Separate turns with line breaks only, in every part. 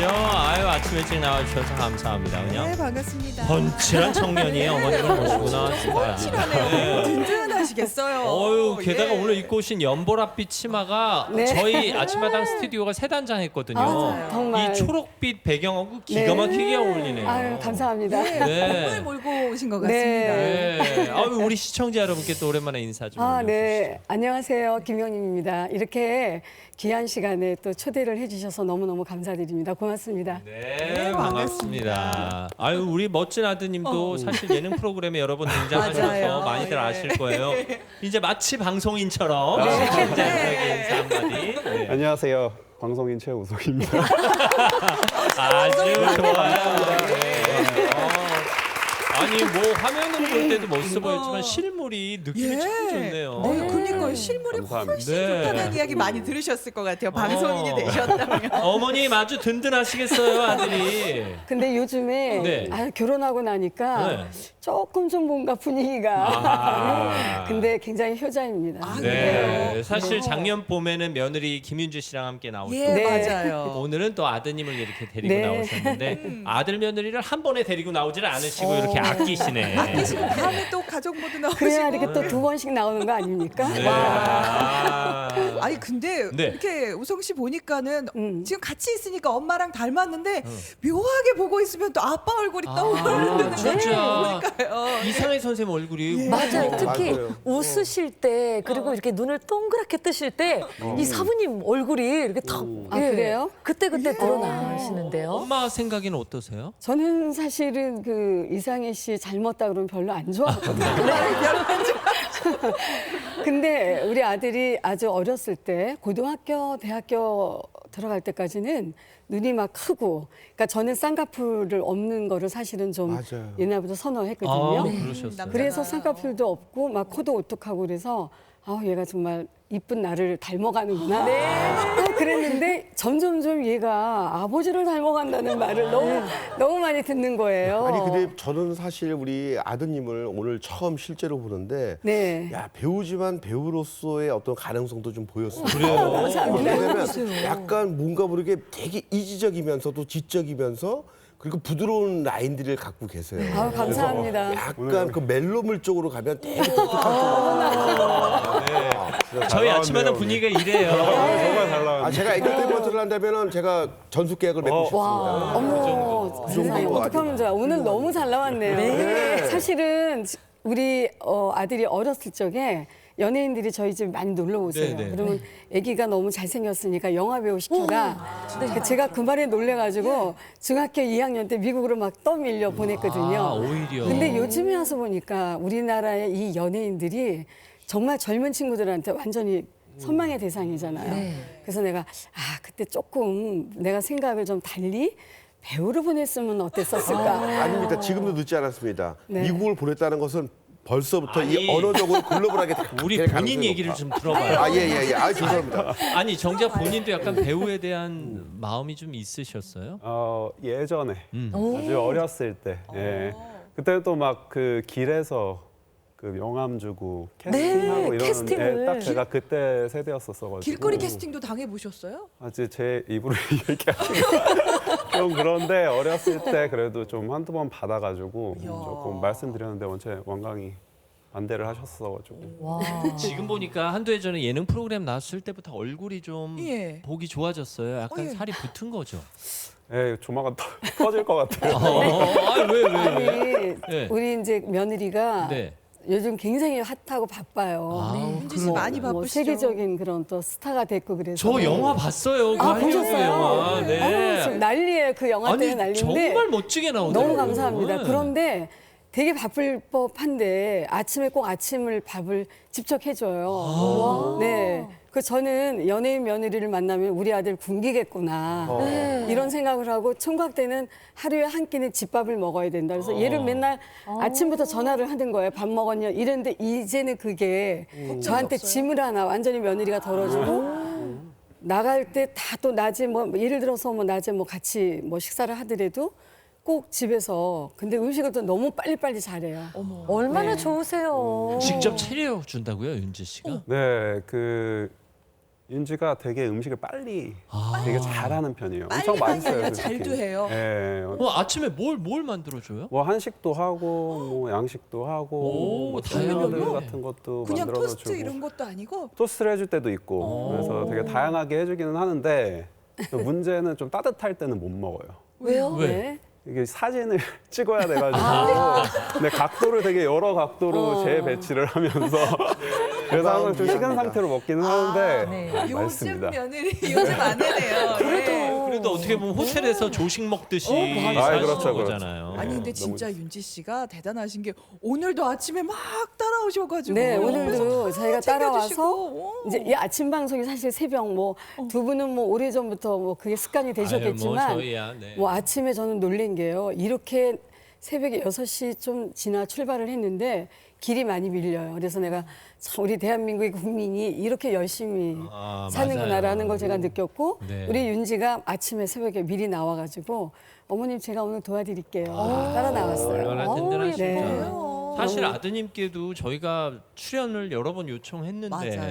오십시오. 아유, 아침 일찍 나와주셔서 감사합니다. 그냥
네, 반갑습니다.
번칠한 청년이 어머님을 모시고 나왔습니다.
번칠하네요. 든든하시겠어요.
어유, 게다가
예.
오늘 입고 오신 연보랏빛 치마가
네.
저희 아침마당 스튜디오가 세 단장했거든요.
맞아요. 정말.
이 초록빛 배경하고 기가 막히게 어울리네요.
아유, 감사합니다.
네.
꿈을 몰고 오신 것
네.
같습니다.
네. 아유, 우리 시청자 여러분께 또 오랜만에 인사 좀
아,
올려주시죠.
네. 안녕하세요. 김영림입니다. 이렇게 귀한 시간에 또 초대를 해주셔서 너무너무 감사드립니다. 고맙습니다.
네, 반갑습니다. 아유, 우리 멋진 아드님도 사실 예능 프로그램에 여러 번 등장하셔서
맞아요.
많이들
예.
아실 거예요. 이제 마치 방송인처럼 시청자들에게 인사 한마디. 네.
안녕하세요. 방송인 최우석입니다.
아주 좋아요. 네. 아니, 뭐 화면으로 볼 때도 멋있어 보였지만 실물이 느낌이 참 좋네요.
그러니까 실물이
감사합니다.
훨씬
네.
좋다는 이야기 많이 들으셨을 것 같아요. 방송인이 되셨다면.
어머님 아주 든든하시겠어요, 아들이.
근데 요즘에
네.
결혼하고 나니까
네.
조금 좀 뭔가 분위기가
아.
근데 굉장히 효자입니다.
네, 사실 작년 봄에는 며느리 김윤주 씨랑 함께 나오셨고
예,
네.
맞아요.
오늘은 또 아드님을 이렇게 데리고
네.
나오셨는데 아들 며느리를 한 번에 데리고 나오지를 않으시고 이렇게 아끼시네.
다음에 또 가족 모두 나오시고.
그래야 이렇게 또 두 번씩 나오는 거 아닙니까?
네.
와.
아니 근데
네.
이렇게 우성 씨 보니까는
음.
지금 같이 있으니까 엄마랑 닮았는데 묘하게 보고 있으면 또 아빠 얼굴이 떠오르는
진짜
거니까요.
이상해 선생님 얼굴이
맞아요. 특히
맞아요.
웃으실 때 그리고 이렇게 눈을 동그랗게 뜨실 때 이 사부님 얼굴이 이렇게 턱
아, 그래요?
그때 드러나시는데요.
엄마 생각에는 어떠세요?
저는 사실은 그 이상희 씨 닮았다 그러면 별로 안 좋아하거든요. 근데 우리 아들이 아주 어렸을 때 고등학교, 대학교 들어갈 때까지는 눈이 막 크고, 그러니까 저는 쌍꺼풀을 없는 거를 사실은 좀
맞아요.
옛날부터 선호했거든요.
아, 그러셨어요.
그래서 쌍꺼풀도 없고 막 코도 오똑하고 그래서 얘가 정말 이쁜 나를 닮아가는구나. 아, 그랬는데 점점점 얘가 아버지를 닮아간다는 말을 너무 많이 듣는 거예요.
아니 근데 저는 사실 우리 아드님을 오늘 처음 실제로 보는데
네.
야 배우지만 배우로서의 어떤 가능성도 좀 보였어요.
그래요?
왜냐면 약간 뭔가 모르게 되게 이지적이면서도 지적이면서 그리고 부드러운 라인들을 갖고 계세요.
아유, 감사합니다.
그래서 약간 그 멜로물 쪽으로 가면 되게 똑똑한
저희 아침마다 분위기가 이래요.
정말 잘 나왔네. 제가 애교 때문에 한다면은 제가 전수 계약을 맺고 싶습니다.
어머, 세상에 어떡하면 좋아. 오늘 너무 잘 나왔네요. 사실은 우리 아들이 어렸을 적에 연예인들이 저희 집 많이 놀러 오세요.
네, 네.
그러면 아기가 너무 잘생겼으니까 영화 배우 시켜라. 제가 그 말에 놀래가지고 중학교 2학년 때 미국으로 막 떠밀려 보냈거든요.
아, 오히려.
근데 요즘에 와서 보니까 우리나라의 이 연예인들이 정말 젊은 친구들한테 완전히 선망의 대상이잖아요. 그래서 내가 그때 조금 내가 생각을 좀 달리 배우를 보냈으면 어땠었을까.
아닙니다. 지금도 늦지 않았습니다.
네.
미국을 보냈다는 것은 벌써부터
아니,
이 언어적으로 글로벌하게
우리
될
본인
가능성이
얘기를
높아.
좀 들어봐요.
예. 아, 죄송합니다.
아니, 정작 본인도 약간 배우에 대한 마음이 좀 있으셨어요?
예전에 아주 어렸을 때, 그때 또 막 그 길에서 그 명함 주고 캐스팅하고 이런
캐스팅을.
딱 제가 그때 세대였었어가지고
길거리 캐스팅도 당해보셨어요?
아직 제 입으로 얘기하기 좀 그런데 어렸을 때 그래도 좀 한두 번 받아가지고 조금 말씀드렸는데 원체 원강이 반대를 하셨어가지고
지금 보니까 한두 해 전에 예능 프로그램 나왔을 때부터 얼굴이 좀
예.
보기 좋아졌어요. 약간
예.
살이 붙은 거죠.
조만간 터질 것 같아요.
왜?
아니,
네.
우리 이제 며느리가
네.
요즘 굉장히 핫하고 바빠요.
윤지 씨 많이
뭐
바쁘시죠?
세계적인 그런 또 스타가 됐고 그래서.
저 영화 봤어요. 그 한국
보셨어요?
영화.
아유,
네.
지금 난리예요. 그 영화 때문에 난리인데.
정말 멋지게 나오더라고요.
너무 감사합니다.
네.
그런데 되게 바쁠 법한데 아침에 꼭 아침을 밥을 직접 해줘요. 네. 그 저는 연예인 며느리를 만나면 우리 아들 굶기겠구나 이런 생각을 하고 총각 때는 하루에 한 끼는 집밥을 먹어야 된다. 그래서 얘를 맨날 아침부터 전화를 하는 거예요. 밥 먹었냐 이랬는데 이제는 그게 저한테 짐을 하나 완전히 며느리가 덜어주고 나갈 때 다 또 낮에 뭐 예를 들어서 뭐 낮에 뭐 같이 뭐 식사를 하더라도 꼭 집에서 근데 음식을 또 너무 빨리빨리 잘해요.
얼마나 좋으세요.
직접 차려준다고요, 윤지 씨가?
네, 윤지가 되게 음식을 빨리
아.
되게 잘하는 편이에요.
빨리
엄청
하는 게
맛있어요.
아니라
솔직히.
잘도 해요.
예.
아침에 뭘 만들어줘요?
뭐 한식도 하고 뭐 양식도 하고
오,
뭐
다양하네.
샐러드 같은 것도
그냥
만들어서
토스트
주고
이런 것도 아니고
토스트를 해줄 때도 있고 그래서 되게 다양하게 해주기는 하는데 또 문제는 좀 따뜻할 때는 못 먹어요.
왜요?
왜?
네.
이게 사진을 찍어야 돼가지고 근데 각도를 되게 여러 각도로 재배치를 하면서 그래서 항상 좀 식은 상태로 먹기는 하는데
네.
요즘
맛있습니다.
며느리 요즘 아내네요. 예.
그래도 어떻게 보면 호텔에서 조식 먹듯이
맞아요.
사시는
그렇죠, 그렇죠.
거잖아요.
아니 근데
너무
진짜 윤지 씨가 대단하신 게 오늘도 아침에 막 따라오셔가지고
네, 오늘도 저희가 따라와서
챙겨주시고.
이제 이 아침 방송이 사실 새벽 뭐 두 분은 뭐 오래전부터 뭐 그게 습관이 되셨겠지만
아유, 뭐 저희야, 네.
뭐 아침에 저는 놀란 게요. 이렇게 새벽에 6시 좀 지나 출발을 했는데 길이 많이 밀려요. 그래서 내가 참 우리 대한민국의 국민이 이렇게 열심히
아,
사는구나라는
맞아요.
걸 제가 느꼈고
네.
우리 윤지가 아침에 새벽에 미리 나와가지고 어머님 제가 오늘 도와드릴게요. 따라 나왔어요.
얼마나 든든하실까.
네.
사실 아드님께도 저희가 출연을 여러 번 요청했는데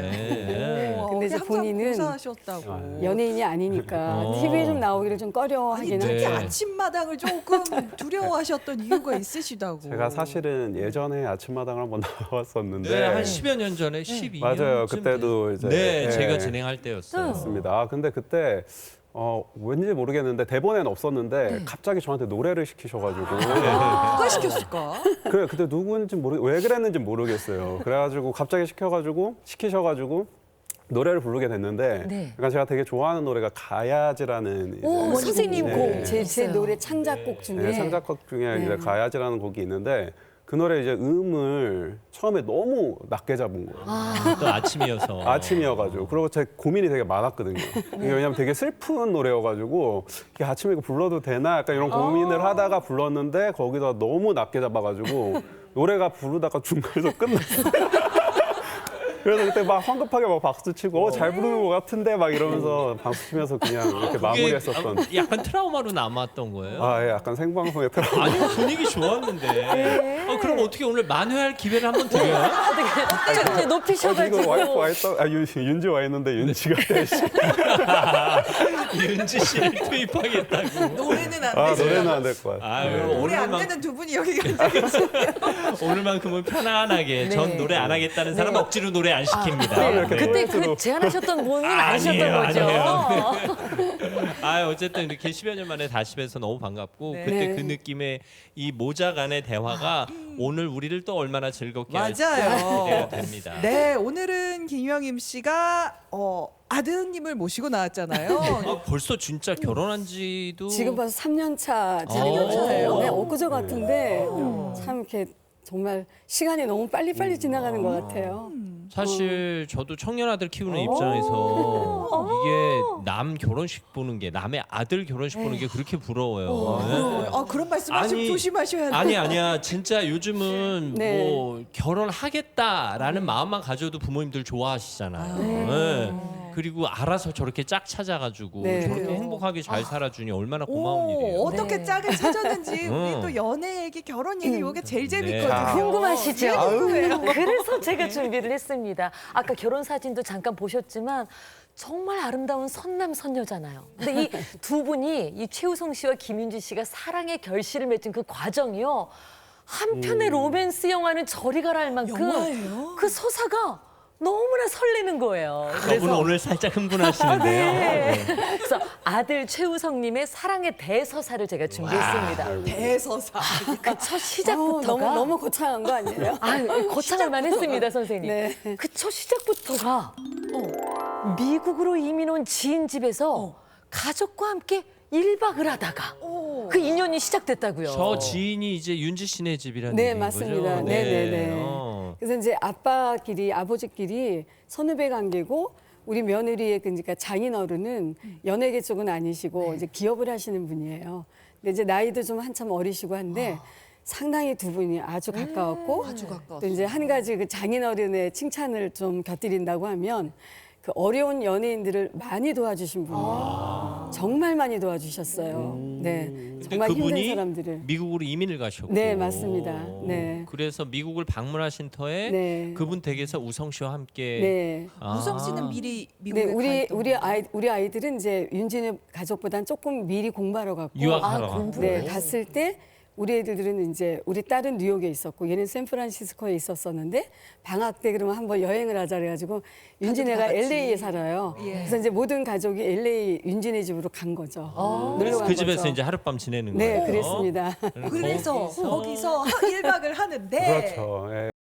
네.
맞아요.
근데 이제
항상
본인은
고사하셨다고.
연예인이 아니니까 TV에 좀 나오기를 좀
아니
꺼려하기는
특히
네.
아침마당을 조금 두려워하셨던 이유가 있으시다고.
제가 사실은 예전에 아침마당을 한번 나왔었는데
네, 한 10여 년 전에 12년
맞아요. 그때도 이제
네,
예.
제가 진행할 때였어요.
맞습니다. 아, 근데 그때 왠지 모르겠는데 대본에는 없었는데 갑자기 저한테 노래를 시키셔가지고
누가 시켰을까?
그래 그때 누구인지 왜 그랬는지 모르겠어요. 그래가지고 갑자기 시키셔가지고 노래를 부르게 됐는데
네.
약간 제가 되게 좋아하는 노래가 가야지라는 이제
오, 선생님
네.
곡.
제
있어요.
노래 창작곡 중에
네, 창작곡 중에
네.
이제 가야지라는 곡이 있는데 그 노래 이제 음을 처음에 너무 낮게 잡은 거예요.
또 아침이어서.
아침이어가지고 그리고 제 고민이 되게 많았거든요. 이게 왜냐면 되게 슬픈 노래여가지고 이게 아침에 이거 불러도 되나 약간 이런 고민을 하다가 불렀는데 거기다 너무 낮게 잡아가지고 노래가 부르다가 중간에서 끝났어요. 그래서 그때 막 황급하게 막 박수 치고 잘 부르는 것 같은데 막 이러면서 박수 치면서 그냥 이렇게
그게
마무리했었던.
약간 트라우마로 남았던 거예요.
아, 예, 약간 생방송에 트라우마.
아니 분위기 좋았는데. 그럼 어떻게 오늘 만회할 기회를 한번 드려요?
어떻게 이제 높이셔가지고.
이거 와이프 와 있다. 윤지 와 있는데 윤지가 대신.
윤지 씨를 투입하겠다고.
노래는 안
아,
되죠.
노래는 안 될 것 같아요.
아유,
노래 안
오늘만,
되는 두 분이 여기 계세요.
오늘만큼은 편안하게 전 노래 안 하겠다는 사람 억지로 노래 안 시킵니다.
네.
그때 그 제안하셨던 분은 아니셨던
아니에요,
거죠.
아 어쨌든 이렇게 10여 년 만에 다시 뵈서 너무 반갑고
네.
그때
네.
그 느낌의 이 모자 간의 대화가 오늘 우리를 또 얼마나 즐겁게 할지
맞아요.
기대가 됩니다.
네, 오늘은 김영임 씨가 아드님을 모시고 나왔잖아요.
벌써 진짜 결혼한 지도
지금 벌써 3년 차
3년 차예요?
네, 엊그제 같은데 참 이렇게 정말 시간이 너무 빨리빨리 지나가는 것 같아요.
사실 저도 청년 아들 키우는 입장에서 이게 남 결혼식 보는 게 남의 아들 결혼식 보는 게 그렇게 부러워요. 네.
그런 말씀하시면 조심하셔야 돼요.
아니야 진짜 요즘은
네.
뭐 결혼하겠다라는 마음만 가져도 부모님들 좋아하시잖아요. 네. 그리고 알아서 저렇게 짝 찾아가지고
네.
저렇게
그래요.
행복하게 잘 살아주니 얼마나 고마운 일이에요.
어떻게
네.
짝을 찾았는지 우리 또 연애 얘기, 결혼 얘기 이게 제일 재밌거든요.
네.
궁금하시죠?
네, 궁금해요.
그래서 제가 준비를 했습니다. 아까 결혼 사진도 잠깐 보셨지만 정말 아름다운 선남 선녀잖아요. 근데 이 두 분이 이 최우성 씨와 김윤지 씨가 사랑의 결실을 맺은 그 과정이요. 한편의 로맨스 영화는 저리 가라 할 만큼
영화예요?
그 서사가 너무나 설레는 거예요.
저분은 오늘 살짝 흥분하시는데요.
네. 그래서 아들 최우성님의 사랑의 대서사를 제가 준비했습니다.
대서사.
그 첫 시작부터가
너무 거창한 거 아니에요?
거창할만 했습니다, 선생님.
네.
그 첫 시작부터가 미국으로 이민 온 지인 집에서 가족과 함께 1박을 하다가 그 인연이 시작됐다고요.
저 지인이 이제 윤지 씨네 집이라는
네,
얘기인
맞습니다.
거죠?
네네네. 그래서 이제 아버지끼리 선후배 관계고 우리 며느리의 그러니까 장인어른은 연예계 쪽은 아니시고 이제 기업을 하시는 분이에요. 근데 이제 나이도 좀 한참 어리시고 한데 상당히 두 분이 아주 가까웠고
아주 가까웠어요.
또 이제 한 가지 그 장인어른의 칭찬을 좀 곁들인다고 하면 그 어려운 연예인들을 많이 도와주신 분이에요. 정말 많이 도와주셨어요. 네,
근데
정말 힘든
그분이
사람들을.
미국으로 이민을 가셨고.
네, 맞습니다. 네.
그래서 미국을 방문하신 터에
네.
그분 댁에서 우성 씨와 함께.
네.
아.
우성 씨는 미리
네,
미국에 가 있던
우리 아이들은 이제 윤진의 가족보다는 조금 미리 공부하러 갔고,
유학하러
아, 공부.
네, 갔을 때 우리 애들은 이제 우리 딸은 뉴욕에 있었고 얘는 샌프란시스코에 있었었는데 방학 때 그러면 한번 여행을 하자 그래가지고 윤진애가
같이.
LA에 살아요.
예.
그래서 이제 모든 가족이 LA 윤진애 집으로 간 거죠. 놀러
그래서
간
그 집에서
거죠.
이제 하룻밤 지내는
네,
거예요.
그랬습니다.
그래서 거기서 1박을 하는데
그렇죠. 예.